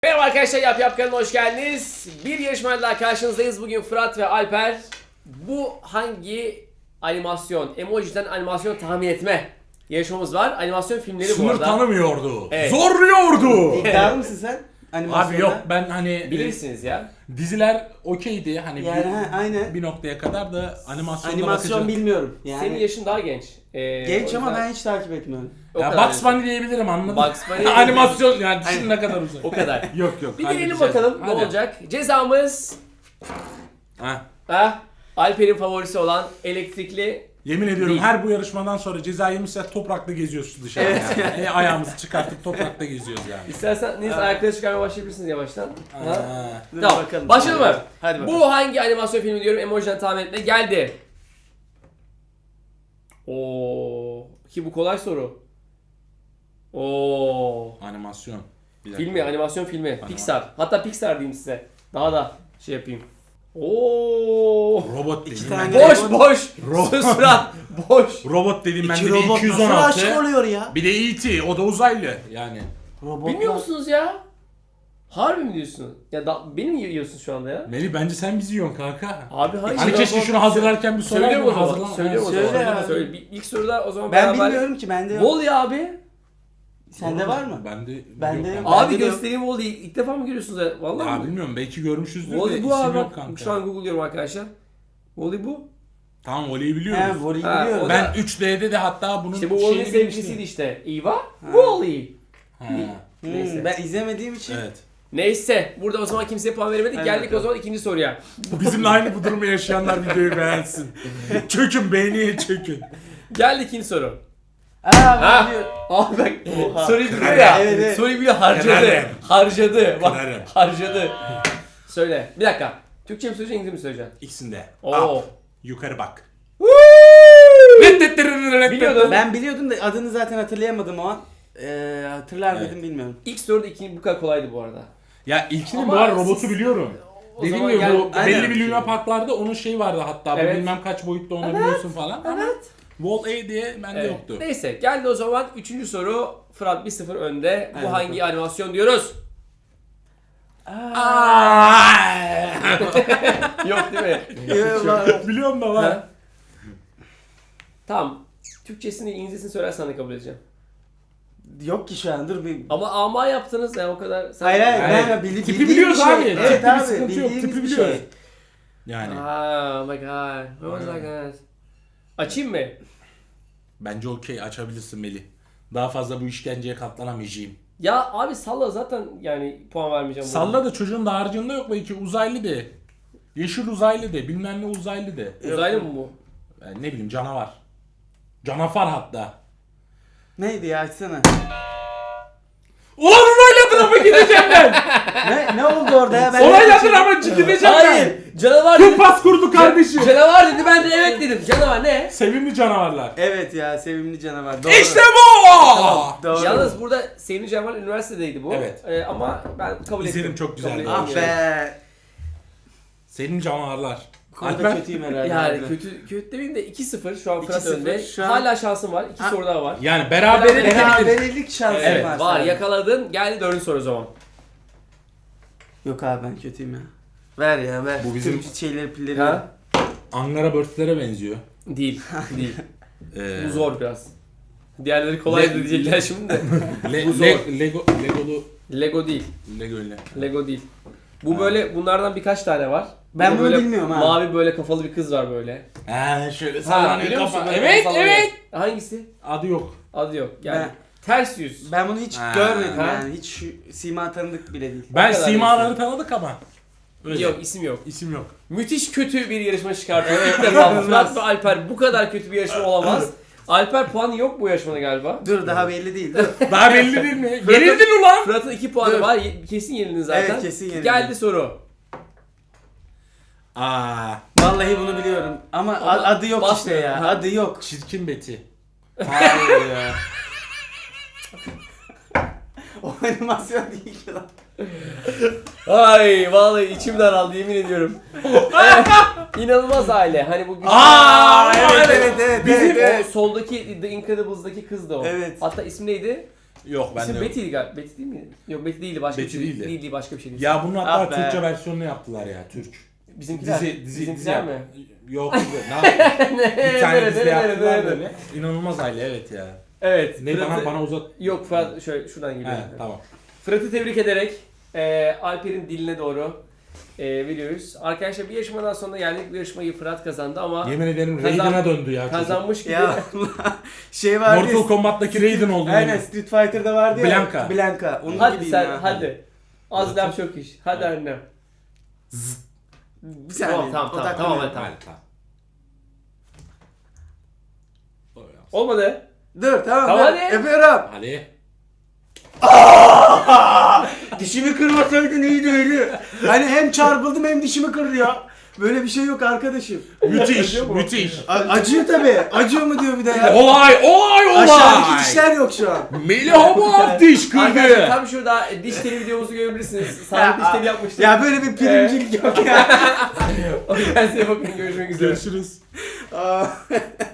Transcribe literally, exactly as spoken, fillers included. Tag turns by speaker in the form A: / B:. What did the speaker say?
A: Merhaba arkadaşlar, Yap Yap kanalına hoş geldiniz. Bir yarışmayla daha karşınızdayız. Bugün Fırat ve Alper bu hangi animasyon, emojiden animasyon tahmin etme yarışmamız var. Animasyon filmleri bu
B: Sınır
A: arada.
B: tanımıyordu.
A: Evet.
B: Zorluyordu.
C: İddialı mısın sen?
B: Abi yok ben hani
A: Bilirsiniz ya.
B: diziler okeydi hani
C: Yani
B: bir,
C: ha, aynen.
B: bir noktaya kadar da animasyonda
C: Animasyon
B: bakacağım.
C: bilmiyorum. Yani
A: Senin yaşın daha genç. Ee,
C: genç
A: o
C: ama
A: yüzden-
C: ben hiç takip etmiyorum.
A: o
B: Ya
A: kadar
B: Bugs
A: diyorsun.
B: Bunny diyebilirim anladın mı?
A: Bugs Bunny
B: Animasyon yani düşün ne kadar uzak.
A: O kadar.
B: Yok yok.
A: Bir deneyelim
B: halledeceğiz.
A: bakalım ne
B: Hadi.
A: olacak. Cezamız
B: Ha.
A: ha, Alper'in favorisi olan elektrikli.
B: Yemin ediyorum
A: Değil.
B: her bu yarışmadan sonra ceza yemişse toprakta geziyoruz dışarıda yani. E, ayağımızı çıkartıp toprakta geziyoruz yani.
A: İsterseniz ayakları çıkarmaya başlayabilirsiniz yavaştan. Ha?
B: Ha.
C: Dur
A: Tamam.
C: bakalım.
A: Başlayalım mı?
C: Hadi bakalım.
A: Bu hangi animasyon filmi diyorum, emojiden tahmin etme geldi. Oo, ki bu kolay soru. Oo,
B: Animasyon. Bir dakika.
A: filmi, animasyon filmi,
B: Anima-
A: Pixar. Hatta Pixar diyeyim size. Daha da şey yapayım. Oo,
B: Robot
C: İki
B: dediğim ben
C: tane-
B: de.
A: boş boş.
B: Ro-
A: Sus Fırat, boş.
B: Robot dediğim ben
C: İki
B: de bir
C: robot
B: iki yüz on
C: nasıl
B: altı.
C: aşık oluyor ya?
B: Bir de E T o da uzaylı yani.
C: Robotlar.
A: Bilmiyor musunuz ya? Harbi mi diyorsun? Ya da beni mi yiyorsun şu anda ya?
B: Melih bence sen bizi yiyorsun kanka.
A: Abi hayır.
B: Hani keşke şunu hazırlarken bir sorar
A: Söylüyorum
B: mı?
A: o zaman.
B: Hazırlan-
A: Söylüyorum o
C: Söyle
A: zaman.
C: ya.
A: Söyle. Bir- İlk soruda o zaman
C: Ben
A: beraber.
C: bilmiyorum ki bende yok.
A: Wall-E abi.
C: Sende var mı?
B: Bende
C: Bende
B: yok
C: yok.
B: kanka.
A: Abi
C: Bende de yok.
A: göstereyim Wall-E'yi. İlk defa mı görüyorsunuz ya? Vallahi
B: Ya
A: mi?
B: bilmiyorum belki görmüşüzdür de
A: Wall-E
B: isim
A: bu abi.
B: yok
A: Bak,
B: kanka.
A: şu an Google'luyorum arkadaşlar. Wall-E bu.
B: Tamam Oli'yi
C: He,
B: biliyoruz.
C: Vori'yi
A: Ha,
C: biliyorum.
A: o da-
B: Ben üç D'de de hatta bunun
A: İşte bu
B: şeyini
A: Wall-E'nin sevgilisiydi
B: bilmiştim.
A: işte. Eva. Wall-E.
B: Ha,
C: Hmm,
A: Neyse.
C: ben izlemediğim için.
B: evet.
A: Neyse. Burada o zaman kimseye puan veremedik.
C: Hadi
A: Geldik
C: bakalım.
A: o zaman ikinci soruya.
B: Bizimle aynı bu durumu yaşayanlar videoyu beğensin. Çökün beğeniye çökün.
A: Geldi ikinci soru.
C: Aa
A: Ha.
C: ben biliyorum.
A: Abi bak
C: Oha.
A: soruyu biliyor
B: Kırarım.
A: ya.
C: Evet, evet.
A: Soruyu biliyor, harcadı.
B: Kırarım.
A: Harcadı. Bak
B: Kırarım.
A: harcadı. Söyle. Bir dakika. Türkçe mi söyleyeceksin, İngilizce mi söyleyeceksin?
B: İkisinde.
A: Oo.
B: Up, yukarı bak.
A: Biliyordum.
C: Ben biliyordum da adını zaten hatırlayamadım o an. Ee, hatırlar
B: Evet.
C: mıydım bilmiyorum.
A: İlk soruda ikinci bu kadar kolaydı bu arada.
B: Ya ilkinin
A: Ama
B: bu arada robotu
A: siz-
B: biliyorum.
A: O
B: Dediğim
A: zaman
B: gibi
A: gel-
B: bu
C: Aynen.
B: belli bir Luna Parklarda onun şeyi vardı hatta.
A: Evet.
B: Bu bilmem kaç boyutta oynabiliyorsun falan. Ama
A: Evet.
B: Wall-E diye bende
A: Evet.
B: yoktu.
A: Neyse geldi o zaman üçüncü soru. Fırat bir sıfır önde. Bu
C: Evet.
A: hangi animasyon diyoruz? Yok değil mi?
C: Eyvallah.
B: Biliyorum da var.
A: Ha? Tamam. Türkçesini, İngilizcesini söylersen de kabul edeceğim.
C: Yok ki şu an dur bir.
A: Ama ama yaptınız ya o kadar. Sen...
C: Hayır hayır
B: Yani
C: ben bili,
B: tipi
C: bildiğim
B: biliyoruz
C: bir şey.
B: abi.
C: Evet
B: Tipi bir
C: abi
B: sıkıntı yok,
C: bildiğimiz
B: tipi
C: bir
B: biliyoruz.
C: şey.
B: Yani
A: Ah, oh my god. What was that guys? Açayım mı?
B: bence okey açabilirsin Melih. Daha fazla bu işkenceye katlanamayacağım.
A: Ya abi salla zaten yani puan vermeyeceğim. buna.
B: Salla da çocuğun da harcında yok belki uzaylı de. Yeşil uzaylı de, bilmem ne uzaylı de.
A: Uzaylı mı bu?
B: Yani ne bileyim canavar. Canavar hatta.
C: Neydi ya açsana.
B: Ulan onayladın ama gideceğim ben.
C: ne ne oldu orada ya? Ben
B: Onayladın ama gideceğim
A: Hayır.
B: ben.
A: Canavar dedi.
B: Kumpas kurdu kardeşim.
A: Canavar dedi, ben de evet dedim. Canavar ne?
B: Sevimli canavarlar.
C: Evet ya sevimli canavar. Doğru.
B: İşte bu.
A: Tamam.
C: Doğru.
A: Yalnız burada Sevimli Canavar üniversitedeydi bu.
B: Evet.
A: Ee, ama ben kabul ettim.
B: İzledim, çok güzeldi.
A: Kabul ettim
C: Ah
A: yani.
C: be.
B: Sevimli canavarlar.
C: Bu konuda
B: Alper?
C: kötüyüm herhalde.
A: Yani
C: harbiden.
A: kötü kötü demeyeyim de iki sıfır şu an Fırat
C: iki sıfır,
A: önde.
C: şu an-
A: Hala şansın var. İki
C: Ha.
A: soru daha var.
B: Yani beraber
A: Beraber-
C: Beraberlik şansım
A: Evet
C: var.
A: var,
C: sadece.
A: yakaladın. Geldi dördüncü soru o zaman.
C: Yok abi ben kötüyüm ya. Ver ya ver.
B: Bu bizim-
C: Tüm şeyleri pilleri.
A: Ha?
B: Angara Birdslere benziyor.
A: Değil. Değil.
B: Ee,
A: Bu zor biraz. Diğerleri kolay
B: Le-
A: diyecekler şimdi de.
B: Le-
A: Bu zor.
B: Le- Lego Legolu
A: Lego değil.
B: Lego ile.
A: Lego değil. Bu
B: Ha.
A: böyle, bunlardan birkaç tane var.
C: Ben
A: Bir de
C: bunu
A: böyle
C: bilmiyorum ha.
A: Mavi böyle kafalı bir kız var böyle.
B: Ha şöyle
A: Ha,
B: sallanıyor
A: biliyor musun?
B: kafa.
A: Böyle
B: Evet
A: sallanıyor.
B: evet.
A: Hangisi?
B: Adı yok.
A: Adı yok. Yani
C: Ben-
A: ters yüz.
C: Ben bunu hiç
B: Ha.
C: görmedim
A: Ha.
C: yani. Hiç şu sima tanıdık bile değil.
B: Ben
A: kadar
B: simaları tanıdık ama. Öyle.
A: Yok, isim yok.
B: İsim yok.
A: Müthiş kötü bir yarışma çıkartıyor. İlk defa Fırat ve Alper bu kadar kötü bir yarışma olamaz. Alper puanı yok bu yarışmada galiba.
C: Dur daha belli değil. Dur.
B: Daha belli değil mi? Yenildin ulan.
A: Fırat'ın iki puanı
C: Dur.
A: var. Ye- Kesin yenildin zaten.
C: Evet, kesin yenildim.
A: Geldi soru.
B: Aa,
C: Vallahi bunu biliyorum. Ama,
A: Ama
C: a- adı yok işte
A: basmıyor.
C: ya.
A: Ha.
C: Adı yok.
B: çirkin Betty.
C: Hayır ya. O animasyon değil ki lan.
A: Ay vallahi içim daraldı, yemin ediyorum. İnanılmaz aile. Hani bu güzel.
B: Aa,
C: Evet evet evet.
A: Bizim
C: evet, evet.
A: o soldaki The Incredibles'daki kız da o.
C: Evet.
A: Hatta ismi neydi?
B: Yok ben
A: İsim
B: de.
A: Betty'ydi galiba. Betty değil mi? Yok Betty değildi başka
B: Betty
A: bir şey.
B: değildi.
A: Değildi başka bir şeydi.
B: Ya bunun hatta
C: Ah be.
B: Türkçe versiyonunu yaptılar ya Türk.
A: Bizimkiler.
B: Dizi, dizi,
A: Bizimkiler
B: dizi
A: mi?
B: Yok dizi. Ne yapayım? Bir tane
A: Nerede,
B: dizi
A: nerede,
B: yaptılar
A: nerede?
B: böyle. İnanılmaz aile evet ya.
A: Evet.
B: Ne
A: Fırat'ı-
B: bana bana uzat.
A: Yok Fırat şöyle şuradan geliyor.
B: He tamam.
A: Fırat'ı tebrik ederek e, Alper'in diline doğru e, veriyoruz. Arkadaşlar bir yarışmadan sonra geldik. Bu yarışmayı Fırat kazandı ama
B: Yemin ederim
A: Kazan-
B: Raiden'a döndü ya çocuk.
A: kazanmış gibi.
C: Ya şey vardı ya.
B: Mortal Kombat'taki Raiden oldu.
C: Aynen
B: yemin.
C: Street Fighter'da vardı ya.
B: Blanka.
C: Blanka. Onun
A: Hadi
C: gibiyim
A: sen
C: ya.
A: hadi. Az laf çok iş. Hadi annem.
C: Bir saniye.
A: Tamam tamam tamam
C: odaklanıyorum.
A: tamam hadi, tamam.
B: Hadi, tamam.
A: Olmadı.
C: Dur tamam.
A: Tamam,
C: dur.
A: hadi.
C: Yapıyorum.
B: Hadi.
C: Dişimi kırmasaydın iyiydi öyle. Hani hem çarpıldım hem dişimi kırdı ya. Böyle bir şey yok arkadaşım.
B: Müthiş,
A: Acıyor mu?
B: müthiş.
C: A- acıyor tabi. Acıyor mu diyor bir de ya.
B: Olay, olay, olay.
C: Aşağıdaki dişler yok şu an.
B: Melih Hamam diş
A: Arkadaşlar
B: kırdı.
A: tam şurada e, diş teli videomuzu görebilirsiniz. Sağlık diş teli yapmıştık.
C: Ya böyle bir primcilik yok ya.
A: O yüzden size bakın görüşmek üzere.
B: Görüşürüz.
C: Aa.